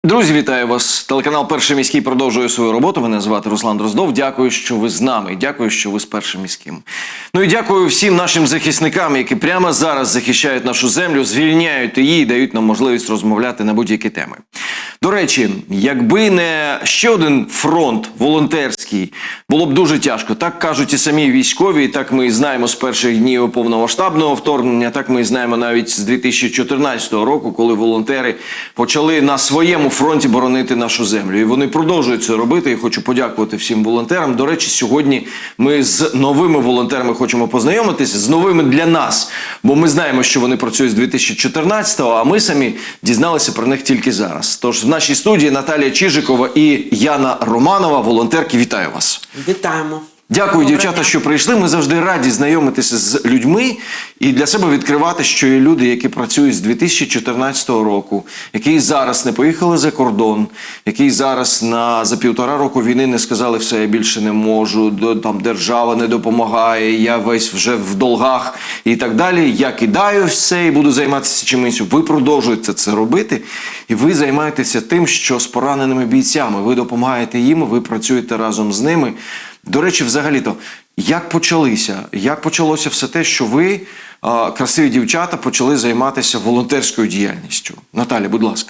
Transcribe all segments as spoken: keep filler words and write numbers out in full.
Друзі, вітаю вас. Телеканал «Перший міський» продовжує свою роботу. Мене звати Руслан Дроздов. Дякую, що ви з нами. Дякую, що ви з «Першим міським». Ну і дякую всім нашим захисникам, які прямо зараз захищають нашу землю, звільняють її і дають нам можливість розмовляти на будь-які теми. До речі, якби не ще один фронт волонтерський, було б дуже тяжко. Так кажуть і самі військові, і так ми знаємо з перших днів повномасштабного вторгнення, так ми знаємо навіть з дві тисячі чотирнадцятого року, коли волонтери почали на своєму фронті боронити нашу землю. І вони продовжують це робити. І хочу подякувати всім волонтерам. До речі, сьогодні ми з новими волонтерами хочемо познайомитися, з новими для нас. Бо ми знаємо, що вони працюють з дві тисячі чотирнадцятого, а ми самі дізналися про них тільки зараз. Тож в нашій студії Наталія Чижикова і Яна Романова, волонтерки. Вітаю вас. Вітаємо. Дякую, дівчата, що прийшли. Ми завжди раді знайомитися з людьми і для себе відкривати, що є люди, які працюють з дві тисячі чотирнадцятого року, які зараз не поїхали за кордон, які зараз на, за півтора року війни не сказали «все, я більше не можу», там держава не допомагає, я весь вже в долгах і так далі. Я кидаю все і буду займатися чимось. Ви продовжуєте це робити і ви займаєтеся тим, що з пораненими бійцями. Ви допомагаєте їм, ви працюєте разом з ними. До речі, взагалі-то, як почалися? Як почалося все те, що ви, а, красиві дівчата, почали займатися волонтерською діяльністю? Наталя, будь ласка.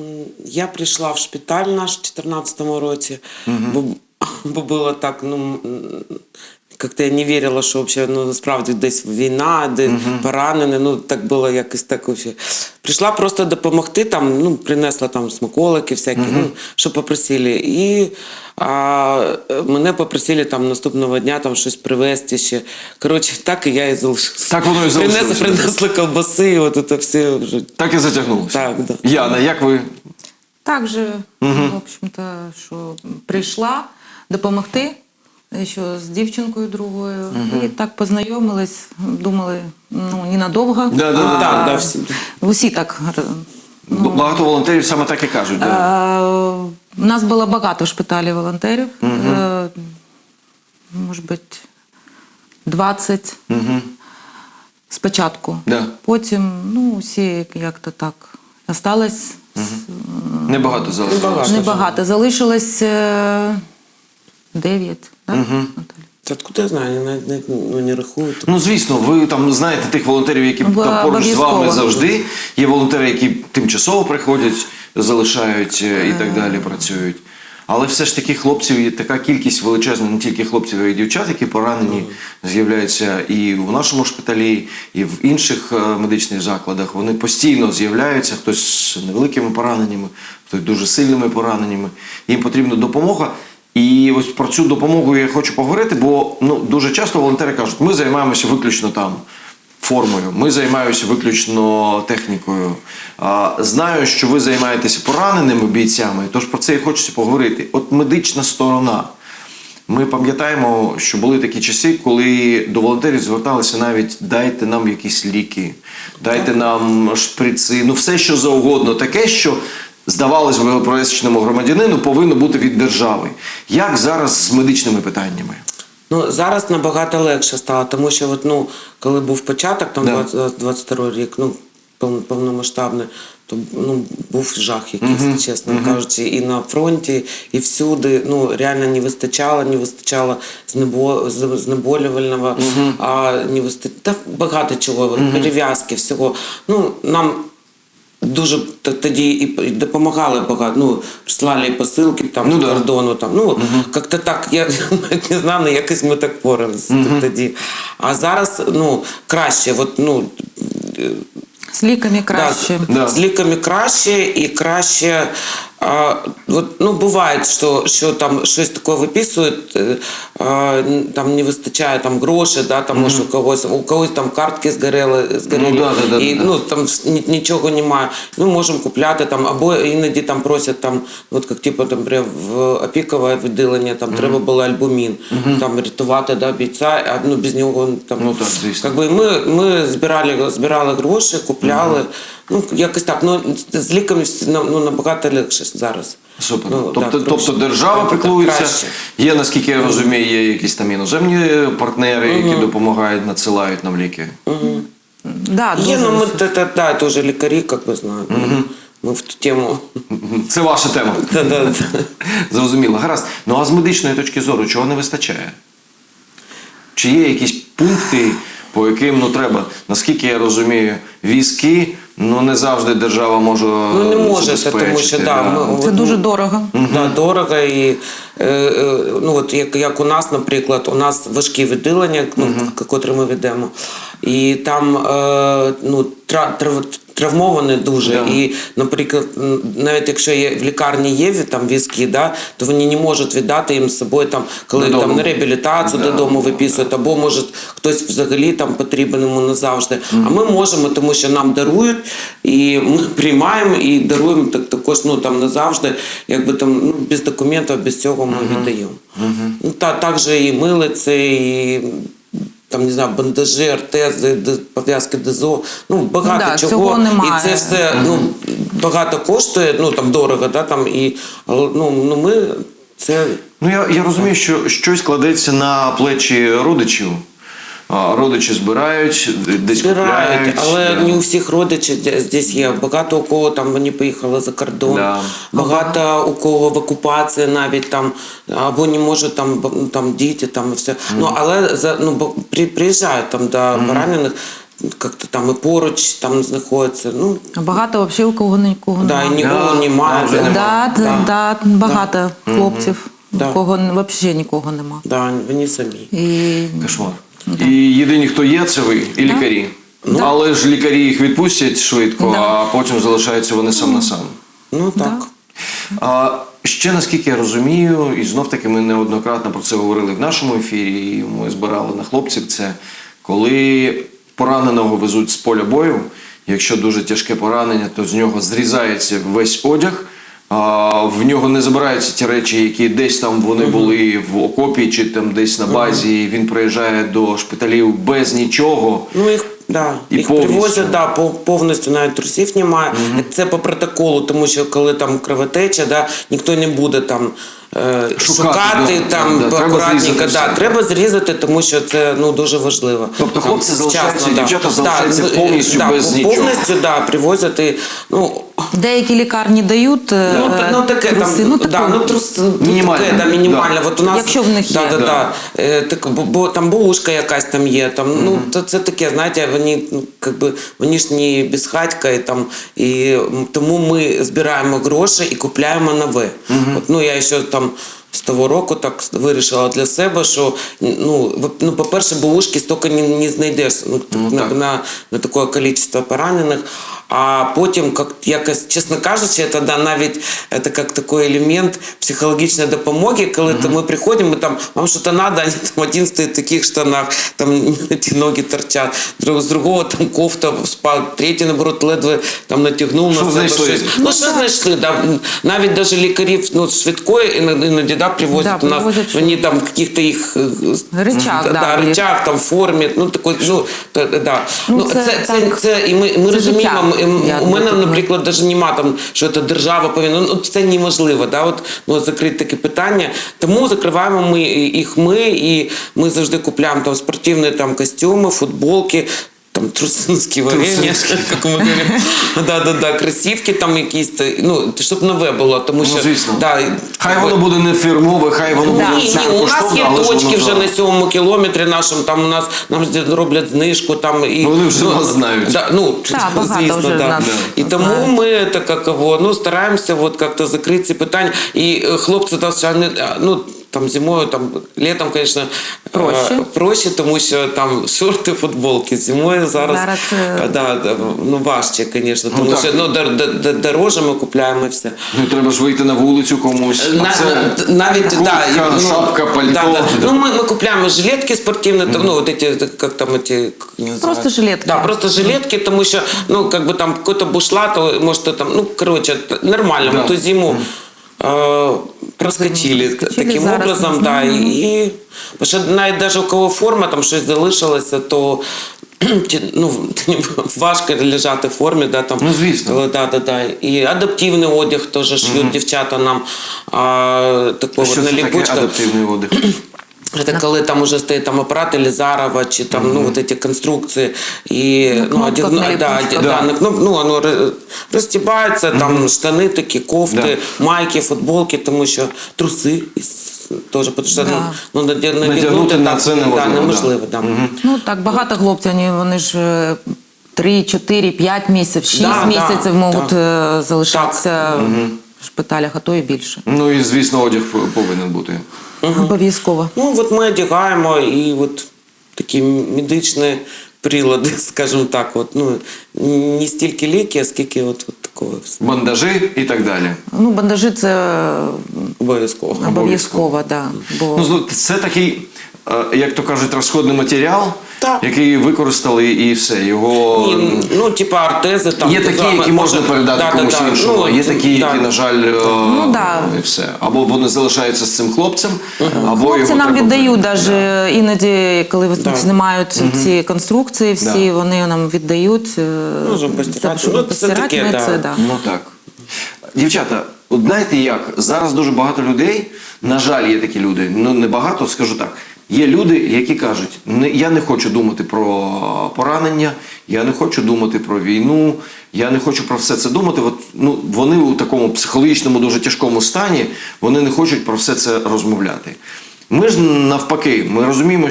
Я прийшла в шпиталь наш в чотирнадцятому році, угу. бо, бо було так, ну, як-то я не вірила, що взагалі, ну, насправді десь війна, де угу. поранені, ну, так було якось так взагалі. Прийшла просто допомогти, там, ну, принесла там смаколики всякі, угу. ну, що попросили. І а, мене попросили там наступного дня там щось привезти ще. Коротше, так і я і залишилася. Так воно і залишилося. Принесли, принесли колбаси, і от це все вже. Так і затягнулося. Так, да. Яна, як ви? Так же, угу. в общем-то, що прийшла допомогти. Ще з дівчинкою другою. Угу. І так познайомились, думали, ну, ненадовго. Да, да, а, да, да, всі. Усі так. Ну, багато волонтерів саме так і кажуть. Да. А, у нас було багато в шпиталі волонтерів. Угу. А, може бути, двадцять угу. спочатку. Да. Потім, ну, усі як-то так осталось. Угу. Небагато залишилось. Небагато. Залишилось дев'ять. Так, угу. Та откуда я знаю, я навіть не, ну, не рахую. Ну, звісно, ви там знаєте тих волонтерів, які там поруч з вами завжди. Є волонтери, які тимчасово приходять, залишають і так далі, працюють. Але все ж таки хлопців є така кількість величезна, не тільки хлопців, а й дівчат, які поранені, з'являються і в нашому шпиталі, і в інших медичних закладах. Вони постійно з'являються, хтось з невеликими пораненнями, хтось дуже сильними пораненнями. Їм потрібна допомога. І ось про цю допомогу я хочу поговорити, бо ну, дуже часто волонтери кажуть, ми займаємося виключно там формою, ми займаємося виключно технікою. А, знаю, що ви займаєтеся пораненими бійцями, тож про це і хочеться поговорити. От медична сторона. Ми пам'ятаємо, що були такі часи, коли до волонтерів зверталися навіть «дайте нам якісь ліки», «дайте нам шприци», ну все що завгодно, таке, що здавалось би, пересічному громадянину повинно бути від держави. Як зараз з медичними питаннями? Ну, зараз набагато легше стало, тому що от, ну, коли був початок, там да. двадцять другий рік, ну, повномасштабний, то ну, був жах якийсь, uh-huh. чесно uh-huh. кажучи, і на фронті, і всюди, ну, реально не вистачало, не вистачало знебо... знеболювального, uh-huh. а не вистачало, та багато чого, uh-huh. перев'язки, всього. Ну, нам дуже тоді і допомагали багато, ну, прислали і посилки там ну, з кордону, там, ну, uh-huh. як-то так, я не знаю, якось ми так поралися uh-huh. тоді. А зараз, ну, краще, от, ну, з ліками краще. Да, да. З ліками краще і краще. А, от, ну, буває, що, що там щось таке виписують, а, там не вистачає там грошей, да, там, mm-hmm. може, у когось, у когось там картки згоріли, згоріли ну, да, да, і да, ну, там нічого немає. Ми можемо купляти, там, або іноді там просять, там, от, як, типу, там, в опікове відділення, там, mm-hmm. треба було альбумін, mm-hmm. там, рятувати, да, бійця, а ну, без нього, там, ну, так, звісно. Как би, ми, ми збирали, збирали гроші, купляли, mm-hmm. ну, якось так, ну, з ліками ну, набагато легше зараз. Супер. Ну, тобто, да, тобто держава піклується, є, наскільки я розумію, є якісь там іноземні партнери, які угу. допомагають, надсилають нам ліки? Угу. Да, є, ну, ми, та, та, та, теж лікарі, як ви знаєте. Угу. ми в ту тему. Це ваша тема. Да-да. Зрозуміло. Гаразд. Ну а з медичної точки зору, чого не вистачає? Чи є якісь пункти, по яким ну треба, наскільки я розумію, візки, ну не завжди держава може Ну не може, це, тому що да, ми, Це дуже дорого. Да, дорого і е, е, ну от як, як у нас, наприклад, у нас важкі відділення, ну, uh-huh. котрі ми ведемо, і там е, ну тра, трав, травмовані дуже. Yeah. І, наприклад, навіть якщо є в лікарні є там візки, да, то вони не можуть віддати їм з собою там, коли додому. там на реабілітацію Yeah. додому виписують, або може хтось взагалі там потрібен йому назавжди. Uh-huh. А ми можемо, тому що нам дарують, і ми приймаємо і даруємо так також, ну там назавжди, якби там ну, без документів, без цього ми uh-huh. віддаємо. Uh-huh. Ну та також і милиці, і там не знаю, бандажі, артези, пов'язки ДЗО, ну багато да, чого. Цього немає. І це все ну багато коштує, ну там дорого, да там і ну, ну ми це. Ну я, я розумію, що щось кладеться на плечі родичів. А, родичі збирають, десь Збирають, купляють. але Да. не у всіх родичів здесь є. Багато у кого там вони поїхали за кордон, Да. багато ага. у кого в окупації навіть там, або не можуть там, там діти, там і все. Mm. Ну, але за, ну, бо при, приїжджають там до mm. поранених, як-то там і поруч там знаходяться. Ну, А багато взагалі у кого нікого да, немає. і нікого Да. немає. Да, Да, нема. да, да, багато Да. хлопців, Да. у кого взагалі нікого нема. Да, вони самі. І... Кошмар. І єдині, хто є, це ви і лікарі. Ну, Да. але ж лікарі їх відпустять швидко, Да. а потім залишаються вони сам на сам. Ну так. Да. А ще наскільки я розумію, і знов таки ми неоднократно про це говорили в нашому ефірі, і ми збирали на хлопців, це коли пораненого везуть з поля бою, якщо дуже тяжке поранення, то з нього зрізається весь одяг, а в нього не забираються ті речі, які десь там вони були в окопі чи там десь на базі, і він приїжджає до шпиталів без нічого. Ну, їх, да, І їх повністю. привозять, да, по- повністю навіть трусів немає. Mm-hmm. Це по протоколу, тому що коли там кровотеча, да, ніхто не буде там е, Шукати, шукати, да, там да, треба акуратненько. зрізати Да, все. треба зрізати, тому що це ну, дуже важливо. Тобто Там, хлопці залишаються, вчасно, дівчата да. залишаються Да, повністю да, без нічого. Повністю, да, привозять. І, ну, Деякі лікарні дають Ну, е, та- ну таке труси. там, ну, да, таке. ну, трус, Мінімальне. таке, да, мінімальне. Да. От у нас, Якщо в них да, є. Да, Да. да. Е, так, бо, бо там бабушка якась там є, там, mm-hmm. ну, то це таке, знаєте, вони, ну, как би, вони ж не безхатька, і, там, і тому ми збираємо гроші і купляємо нове. Mm-hmm. От, ну, я ще там з того року так вирішила для себе, що, ну, ну по-перше, бабушки стільки не, не знайдеш ну, Ну, на, так. на, на таке кількість поранених. А потім, як, якось, чесно кажучи, це да, навіть це як такий елемент психологічної допомоги, коли mm-hmm. ми приходимо, ми там, вам щось треба, вони там один стоїть в таких штанах, там ті ноги торчать, з другого там кофта спав, третій, наоборот, ледве там натягнув Що на себе знайшли? щось. Ну, що знайшли, да. Навіть навіть лікарів ну, швидкої іноді, іноді да, привозять Да, у нас, привозять, вони там каких-то їх Речах, да, да, да, їх. речах, там формі, ну, такой, ну, та- да. Ну, Ну, це це, це, так, це, і ми, ми це розуміємо, життя. м- Я у мене, думаю, наприклад, навіть нема там, що це держава повинна, ну, це неможливо, да, от, ну, закрити таке питання, тому закриваємо ми їх ми, і ми завжди купуємо там спортивні там, костюми, футболки, там трусинські варення, як ми говоримо, да-да-да, кросівки там якісь, ну, щоб нове було, тому що, Ну, звісно. да, Хай воно буде не фірмове, хай воно буде ні, ні, у нас є але ж точки воно вже так. на сьомому кілометрі нашому, там у нас нам роблять знижку, там і Вони вже ну, нас знають. Да, ну, Так, багато звісно, вже да. нас І тому знають. ми так як його, ну, стараємося от як-то закрити ці питання. І е, хлопці там, ще не- ну, там зимою, там літом, звісно, Проще. е, проще, тому що там шорти, футболки. Зимою зараз, Зараз, е, е, да, да, ну, важче, звісно, тому так. що ну, дор- дор- дор- дороже ми купляємо і все. Ну, треба ж вийти на вулицю комусь. На, А це... на- навіть, куртка, да, ну, шапка, пальто. Да, да. Да. Ну, мы, мы купляем жилетки спортивные, mm-hmm. ну, вот эти, как там эти... как они Просто называются? жилетки. Да, просто жилетки, потому что, ну, как бы там какой-то бушлат, может, там, ну, короче, нормально, Да. мы ту зиму э, проскочили, Проскочили, таким зараз образом, можна. да, и, потому что навіть даже у кого форма, там щось залишилося, то ну, важко лежати в формі, да, там, Ну, звісно. коли, да, да, да. І адаптивний одяг теж шьють дівчата нам, а, такого Що на це таке ліпучках. адаптивний одяг? Это коли там уже стоит там аппарат Елизарова, чи там, mm-hmm. ну, вот эти конструкции, и, ну, ну, один, на да, да. да, на кноп, ну, оно розтібається, mm-hmm. там штани такі, кофти, да. майки, футболки, тому що труси теж, тому що да. ну, надягнути на це неможливо. Да, неможливо, да. Да. Mm-hmm. Ну, так, багато хлопців, вони, вони ж три, чотири, п'ять місяців, шість да, місяців да, можуть да. залишатися Угу. в шпиталях, а то і більше. Ну і, звісно, одяг повинен бути. Угу. Обов'язково. Ну, от ми одягаємо і от такі медичні прилади, скажімо так, от, ну, не стільки ліки, а скільки от, от такого. Бандажі і так далі. Ну, бандажі це обов'язково. Обов'язково, да. Бо... Ну, це такий, як то кажуть, розходний матеріал, так. який використали і все. Його... І, ну, типа артези там. Є такі, які можна передати да, комусь да, іншому, ну, а є такі, да. які, на жаль, ну, да. і все. Або вони залишаються з цим хлопцем, uh-huh. або хлопці його нам треба віддають, передати. да. іноді, коли да. знімають uh-huh. ці конструкції, всі, да. вони нам віддають. Можемо постирати. Щоб Ну, постирати, це таке, ми да. це, да. Ну так. Дівчата, от знаєте як, зараз дуже багато людей, на жаль, є такі люди, ну не багато, скажу так, є люди, які кажуть, не, я не хочу думати про поранення, я не хочу думати про війну, я не хочу про все це думати. От, ну, вони у такому психологічному, дуже тяжкому стані, вони не хочуть про все це розмовляти. Ми ж навпаки, ми розуміємо,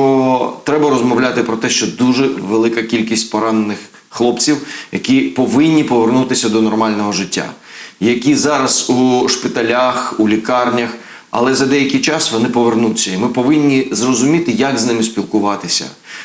що треба розмовляти про те, що дуже велика кількість поранених хлопців, які повинні повернутися до нормального життя, які зараз у шпиталях, у лікарнях, але за деякий час вони повернуться. І ми повинні зрозуміти, як з ними спілкуватися.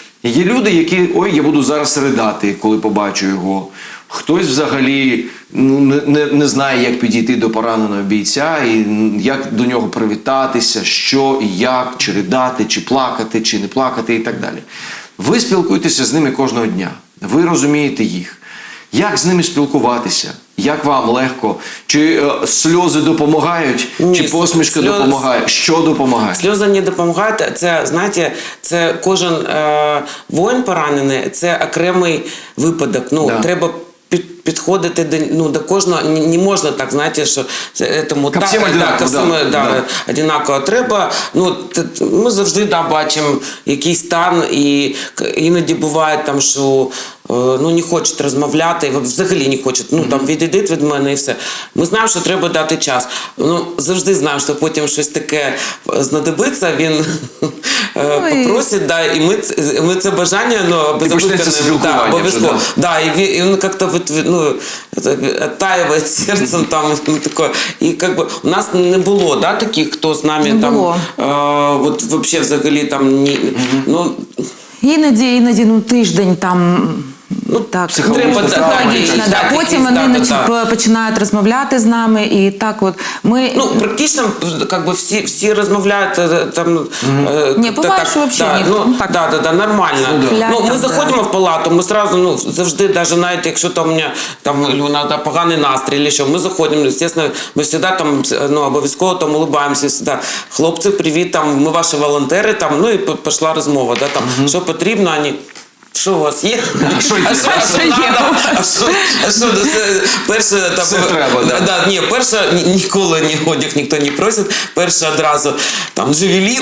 Є люди, які, ой, я буду зараз ридати, коли побачу його. Хтось взагалі ну, не, не, не знає, як підійти до пораненого бійця, і як до нього привітатися, що і як, чи ридати, чи плакати, чи не плакати і так далі. Ви спілкуєтеся з ними кожного дня. Ви розумієте їх. Як з ними спілкуватися? Як вам легко? Чи е, сльози допомагають? Ні, чи посмішка сльоз... допомагає? Що допомагає? Сльози не допомагають. Це, знаєте, це кожен е, воїн поранений, це окремий випадок. Ну, да. треба під, підходити до, ну, до кожного. Не, не можна так, знаєте, що этому, ко всім так, одинаково. ко всім, Да, да, да. одинаково. Треба, ну, ми завжди да, бачимо якийсь стан, і іноді буває там, що ну, не хочуть розмовляти, взагалі не хочуть, ну, там, відійдіть від мене і все. Ми знаємо, що треба дати час. Ну, завжди знаємо, що потім щось таке знадобиться, він Ой. попросить, да, і ми, ми це бажання, ну, виконаємо. Да, обов'язково. вже, Да, і він, і він як-то, ну, оттаиває серцем, там, ну, таке. І, как бы, у нас не було, да, таких, хто з нами, Не там, було. е, от, вообще, взагалі, там, ні, ну, Іноді, іноді, ну, тиждень там, ну, так, треба, ну, да, логічно, да, да. да, Потім да, вони да, да. починають розмовляти з нами, і так от, ми... Ну, практично, как бы, всі, всі розмовляють, там... Е, Ні, буває, що взагалі да, ніхто. ну, Так. да, да, да, нормально. Ну, да. Ну, ми Да. заходимо в палату, ми сразу, ну, завжди, даже навіть якщо там у мене, там, Люна, поганий настрій, или що, ми заходимо, естественно, ми завжди там, ну, обов'язково там улыбаємося, завжди. Хлопці, привіт, там, ми ваші волонтери, там, ну, і пішла розмова, да, там, що потрібно, вони... Що у вас є? А що є? А що, а що є надо? у вас? А що, а що, це перше, там, Все треба, да. да, ні, перше, ні- ніколи ні одяг ніхто не просить, перше одразу, там, джевелін,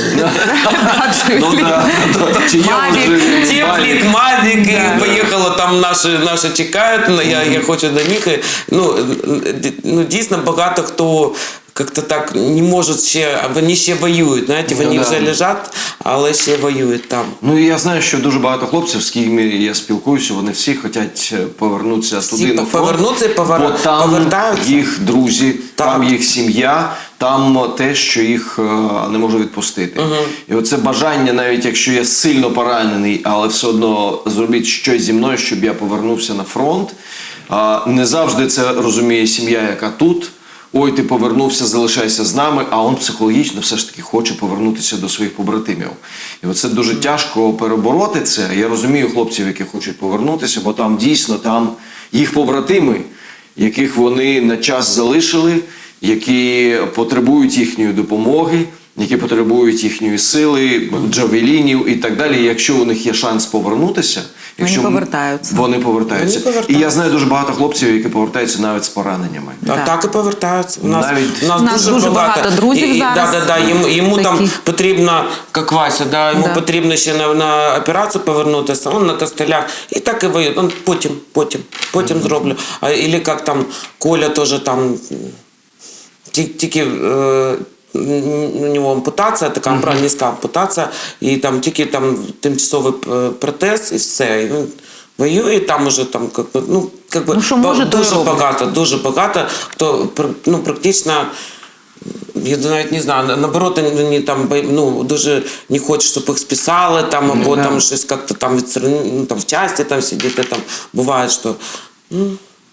Ну, да. Чи є Мавік, вже теплік, мавік, Да. і поїхало, там наші, наші чекають, ну, я, я хочу до них, і, ну, д- ну, дійсно, багато хто як-то так не можуть ще, а вони ще воюють, знаєте, вони Ну, вже да. лежать, але ще воюють там. Ну, і я знаю, що дуже багато хлопців, з ким я спілкуюся, вони всі хочуть повернутися Всі туди, на фронт. повернуться і повер- бо там повертаються. їх друзі, Так. там їх сім'я, там те, що їх е, не може відпустити. І оце бажання, навіть якщо я сильно поранений, але все одно зробіть щось зі мною, щоб я повернувся на фронт. А, не завжди це розуміє сім'я, яка тут. Ой, ти повернувся, залишайся з нами, а він психологічно все ж таки хоче повернутися до своїх побратимів. І оце дуже тяжко перебороти це. Я розумію хлопців, які хочуть повернутися, бо там дійсно там їх побратими, яких вони на час залишили, які потребують їхньої допомоги, які потребують їхньої сили, джавелінів і так далі. І якщо у них є шанс повернутися, Якщо Вони повертаються. Вони повертаються. Вони повертаються. І я знаю дуже багато хлопців, які повертаються навіть з пораненнями. А Да. так і повертаються. У нас, Навіть- у нас, У нас дуже, дуже багато, багато друзів і, і, зараз Да, да, да, йому йому там таких. потрібно, як Вася, да, йому Да. потрібно ще на, на операцію повернутися, він на костелях. І так і воює. Он потім, потім, потім зроблю. А, или як там Коля теж там ті- тільки... Е, у нього ампутація, така mm-hmm. низька ампутація, і там тільки там тимчасовий е, протез, і все. І він воює, там уже там, как би, ну, как би, Ну, що може, то й дуже робить. багато, дуже багато, хто пр- ну, практично, я навіть не знаю, наоборот, вони там ну, дуже не хочуть, щоб їх списали, там, або Да. там щось як-то там, відстранили, ну, там в часті там сидіти, там буває, що ну,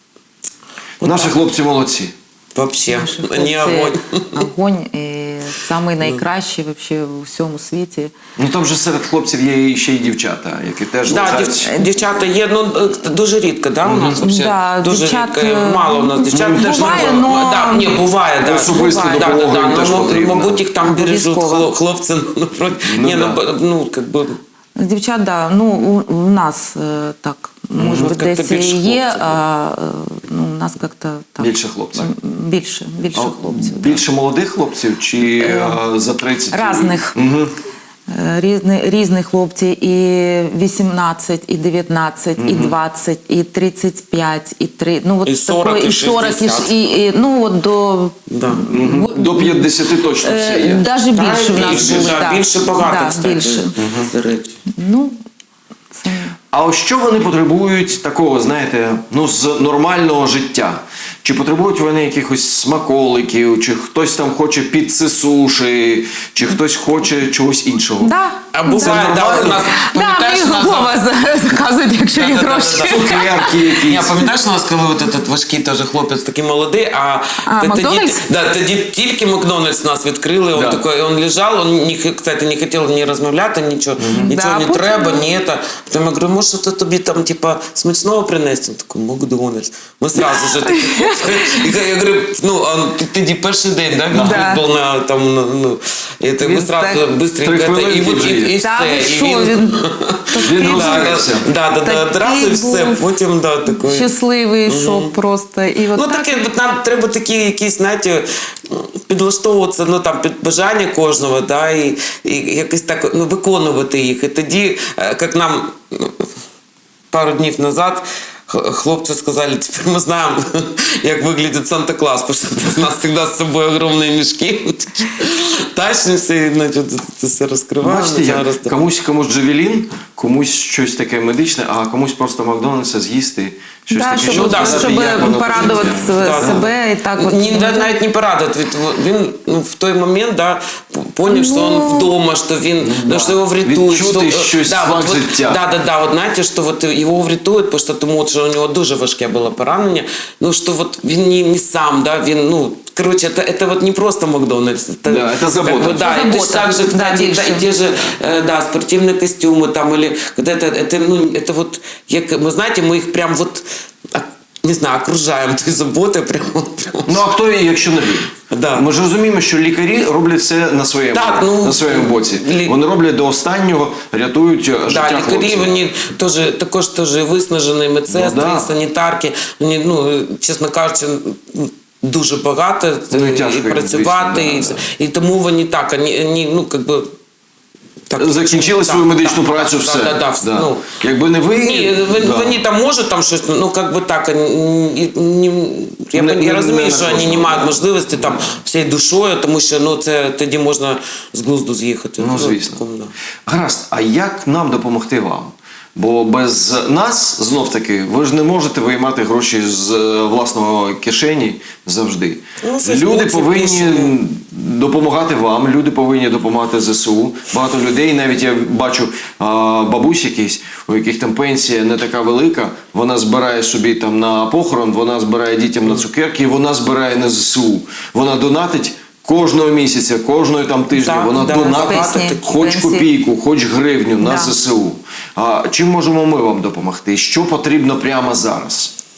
Наші хлопці молодці. вообще Наші не хлопці огонь. огонь і самий найкращий вообще у всьому світі. Ну там же серед хлопців є ще й дівчата, які теж Да, лежать. дів, дівчата є, ну е, дуже рідко, да, у нас вообще? Да, дуже дівчат, рідко, е, мало у нас дівчат. ну, Теж буває, не- но- да, ні, буває, да. Особисто Буває, допомога їм теж ну, потрібна. мабуть, їх там бережуть Обов'язково. хло- хлопці, ну, проти- Ну, ні, да. ну, б- ну, как би, Дівчат, да, ну у, у нас е, так, може Ну, бути, як-то десь більше є, хлопців, а е, ну, у нас як-то так. Більше хлопців. м, Більше, більше А хлопців. да. Більше молодих хлопців чи е, за тридцять? Разних. Угу. Е, Різні, різні хлопці, і вісімнадцять, і дев'ятнадцять, і двадцять, і тридцять п'ять, і три, ну от І сорок, такої, і і сорок, і, шістдесят. і, і ну от до да. До п'ятдесяти точно всі є. навіть Та, більше в нас більше, були. да, да. більше багато, Да, кстати. більше. До речі. Ну, це... А ось що вони потребують такого, знаєте, ну з нормального життя? Чи потребують вони якихось смаколиків, чи хтось там хоче піци суші, чи хтось хоче чогось іншого? Да. А буває, Це да, у нормально? нас, Да, пам'ятаєш, ми у нас- Вова заказують, якщо є гроші. Цукерки Ні, якісь. пам'ятаєш, у нас коли от этот важкий теж хлопець такий молодий, а, А, т- тоді, Макдональдс? да, тоді тільки Макдональдс нас відкрили, Да. он такой, он лежав, он, не, кстати, не хотів ні розмовляти, нічого, нічого Да, не потім- треба, ні это. Потім я говорю, може, то тобі там, типа, смачного принести? Він такий, Макдональдс. Ми сразу же такі, і я говорю, ну, а ти- тоді перший день, да, він Да. був на, там, на, ну, і ти, ми Він сразу так- быстренько, Три это, і, хвилинки от, вже і, є. і Та все, ви і що, він... він Він такий розрився. Да, да, да, одразу і Такий все, був потім, да, такий. щасливий, що просто. І от Ну так. таке, от нам треба такі якісь, знаєте, підлаштовуватися, ну там під бажання кожного, да, і, і якось так ну, виконувати їх. І тоді, е, як нам ну, пару днів назад х- хлопці сказали, тепер ми знаємо, як виглядить Санта-Клаус, тому що у нас завжди з собою огромні мішки, тащимося і значить, це все розкриваємо. Бачите, як зараз, комусь комусь джавелін, комусь щось таке медичне, а комусь просто Макдональдса з'їсти, щось Да, таке, щоб, щоб да, сказати, щоб як воно порадувати працює. Да, да. себе і так от. Ні, да, навіть не порадувати. Від- Він ну, в той момент да, поняв, що він вдома, що він, ну, що його врятують. Відчути що, щось, да, смак от, от, життя. Да, да, да, от, знаєте, що от його врятують, тому що, тому що у нього дуже важке було поранення. Ну, що от він не, не сам, да, він, ну, короче, это, это вот не просто Макдональдс. Это, Да, это забота. Как бы, да, Это и забота. точно так же, Да, кстати, да, больше. и те же, э, да, спортивные костюмы там, или когда это, это, ну, это вот, як, вы знаете, мы их прям вот, а, не знаю, окружаем той заботой, прям, прям. Ну а хто, якщо не ви? Да. Ми ж розуміємо, що лікарі роблять все на своєму, Так, ну, на своєму боці. лі- Вони роблять до останнього, рятують е, життя Да, лікарі, хлопців. вони теж, також теж виснажені медсестри, Ну, да. санітарки. Вони, ну, чесно кажучи, дуже багато Ну, і і тяжко їм, працювати. звісно, і, да, все. І тому вони так, вони, вони ну, как би... Так, Закінчили свою так, медичну так, працю, так, все. Да, да, Да. Ну, Якби не ви... ні, вони, да. вони там можуть там щось, ну как би так, ні- ні- я, Не- я не- розумію, не що на вони не кожного, мають да. можливості там всією душою, тому що ну, це тоді можна з глузду з'їхати. Ну, звісно. такому, да. Гаразд, а як нам допомогти вам? Бо без нас, знов-таки, ви ж не можете виймати гроші з е, власного кишені завжди. Ну, це Люди хлопці повинні пишуть. допомагати вам, люди повинні допомагати ЗСУ. Багато людей, навіть я бачу а, бабусь якісь, у яких там пенсія не така велика, вона збирає собі там на похорон, вона збирає дітям на цукерки, і вона збирає на ЗСУ. Вона донатить кожного місяця, кожного там тижня, Так, вона да, донатить пенсії, хоч пенсії. копійку, хоч гривню на Да. ЗСУ. А чим можемо ми вам допомогти? Що потрібно прямо зараз?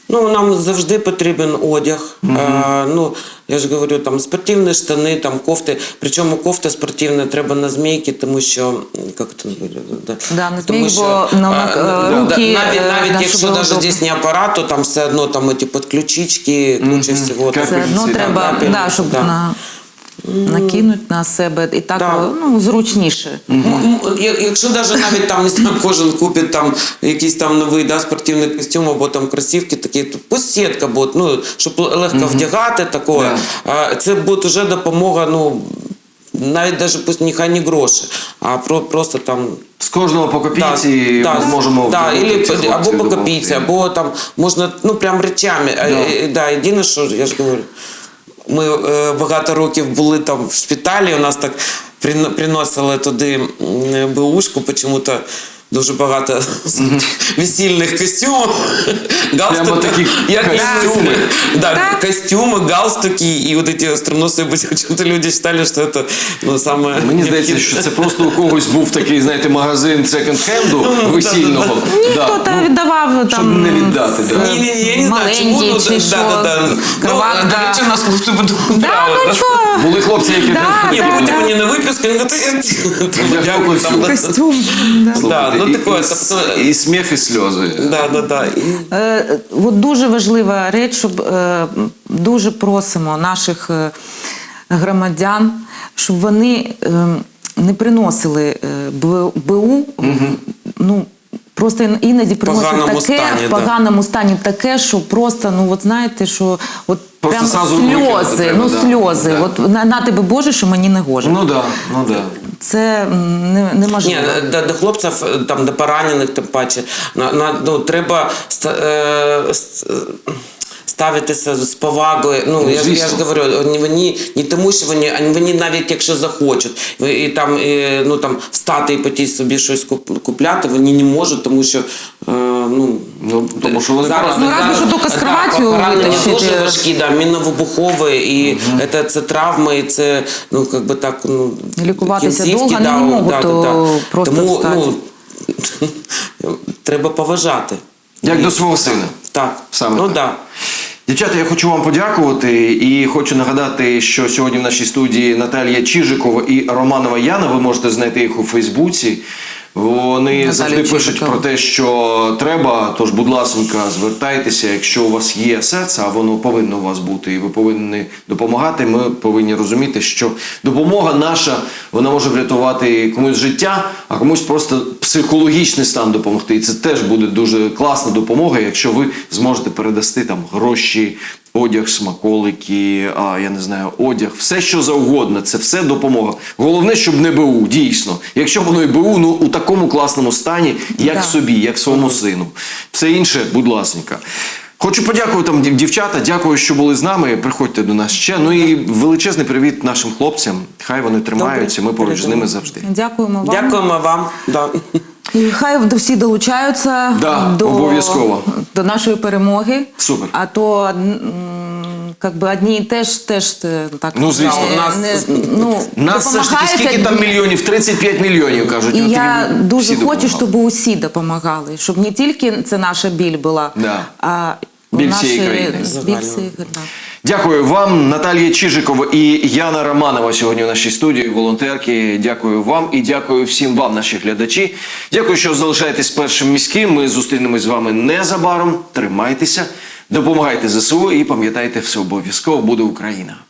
Ну, нам завжди потрібен одяг. А, ну, я ж говорю, там спортивні штани, там кофти. Причому кофта спортивна треба на змійки, тому що, як це да, Да, на тому змійки, бо на- на- а, руки, навіть, е, навіть да, якщо щоб навіть удобно. здесь не апарат, то там все одно там ці підключички, куча всього. Как Все одно Да, треба, да, да, щоб да. на, накинуть на себе і так Да. ну, зручніше. М, м, я- Якщо навіть навіть там не знаю, кожен купить там якийсь там новий да, спортивний костюм або там кросівки такі, то пусть сітка буде, ну, щоб легко вдягати такого. А, Це буде вже допомога, ну, навіть навіть пусть нехай не гроші, а про, просто там. З кожного по копійці Да, ми да, зможемо да, вдягнути или, цих або хлопців, по допомогти. копійці, або там можна, ну, прям речами. Да. Да, єдине, що я ж говорю, ми е, багато років були там в шпиталі, у нас так прино- приносили туди м, беушку, почему-то дуже багато весільних костюмів, галстуки, таких як костюми. Да, Так. костюмы, галстуки, и вот эти остроносые были. Почему-то люди считали, что это, ну, самое... Мені здається, що це просто у когось був такий, знаєте, магазин секонд-хенду весільного. Ніхто Да. там віддавав Щоб там не віддати, да. Не, не, не, я не знаю, чему, маленький ну, чи да, що, да, да. Ну, кроватка. до речі, нас хлопці Да, ну чого? Були хлопці, які Да, там- Ні, да, потім да. мені на виписку, я говорю, Я дякую, там, да. Костюм. Да. Слухайте, Да, ну і- такое, і, тобто- і сміх, і сльози. Да, да, да. І- Е, от дуже важлива реч, щоб е, дуже просимо наших е, громадян, щоб вони е, не приносили е, Б- БУ, ну, просто ін- іноді приносять поганому таке, стані, в да. поганому стані таке, що просто, ну от знаєте, що от Просто прям зразу викинути сльози, треба, ну да. сльози. Да. От на, на тебе Боже, що мені не гоже. Ну да, ну да. Це м, не, неможливо. Ні, до, до хлопців, там, до поранених, тим паче, на, на, ну, треба ста- е, с- е, ставитися з повагою. Ну, я, ж- я ж звісно. говорю, вони, вони не тому, що вони, а вони навіть якщо захочуть, і, і там, і, ну, там, встати і піти собі щось куп- купляти, вони не можуть, тому що, е, ну, Ну, тому що вони зараз, Ну, разве що тільки з кроватью поранення витащити. дуже важкі, да, мінно-вибухові, і це, це травми, і це, ну, як би так, ну, Лікуватися кінцівки, довго не можуть, то просто Тому, встати. ну, треба поважати. Як до свого сина. Так, Саме ну так. да. Дівчата, я хочу вам подякувати і хочу нагадати, що сьогодні в нашій студії Наталія Чижикова і Романова Яна. Ви можете знайти їх у Фейсбуці. Вони Наталія завжди пишуть Чижикова. про те, що треба. Тож, будь ласка, звертайтеся, якщо у вас є серце, а воно повинно у вас бути, і ви повинні допомагати. Ми повинні розуміти, що допомога наша, вона може врятувати комусь життя, а комусь просто психологічний стан допомогти. І це теж буде дуже класна допомога, якщо ви зможете передасти там гроші, одяг, смаколики, а, я не знаю, одяг, все що завгодно, це все допомога. Головне, щоб не БУ, дійсно. Якщо воно і БУ, ну у такому класному стані, як Да. собі, як своєму сину. Все інше, будь ласка. Хочу подякувати вам, дів- дівчата, дякую, що були з нами. Приходьте до нас ще. Ну і величезний привіт нашим хлопцям. Хай вони тримаються, ми поруч з ними завжди. Дякуємо вам. Дякуємо вам. Да. І хай всі долучаються Да, до, обов'язково. до нашої перемоги. Супер. А то м, как би одні теж теж е, так Ну, звісно. е, У нас- не, ну, Нас все ж таки допомагають скільки там одні. мільйонів? тридцять п'ять мільйонів, кажуть. І От я такі дуже всі хочу, допомагали. щоб усі допомагали, щоб не тільки це наша біль була, Да. а Біль наші, всієї країни. біль Загально. всієї, да. Дякую вам, Наталія Чижикова і Яна Романова сьогодні в нашій студії, волонтерки. Дякую вам і дякую всім вам, наші глядачі. Дякую, що залишаєтесь першим міським. Ми зустрінемось з вами незабаром. Тримайтеся, допомагайте ЗСУ і пам'ятайте, все обов'язково буде Україна.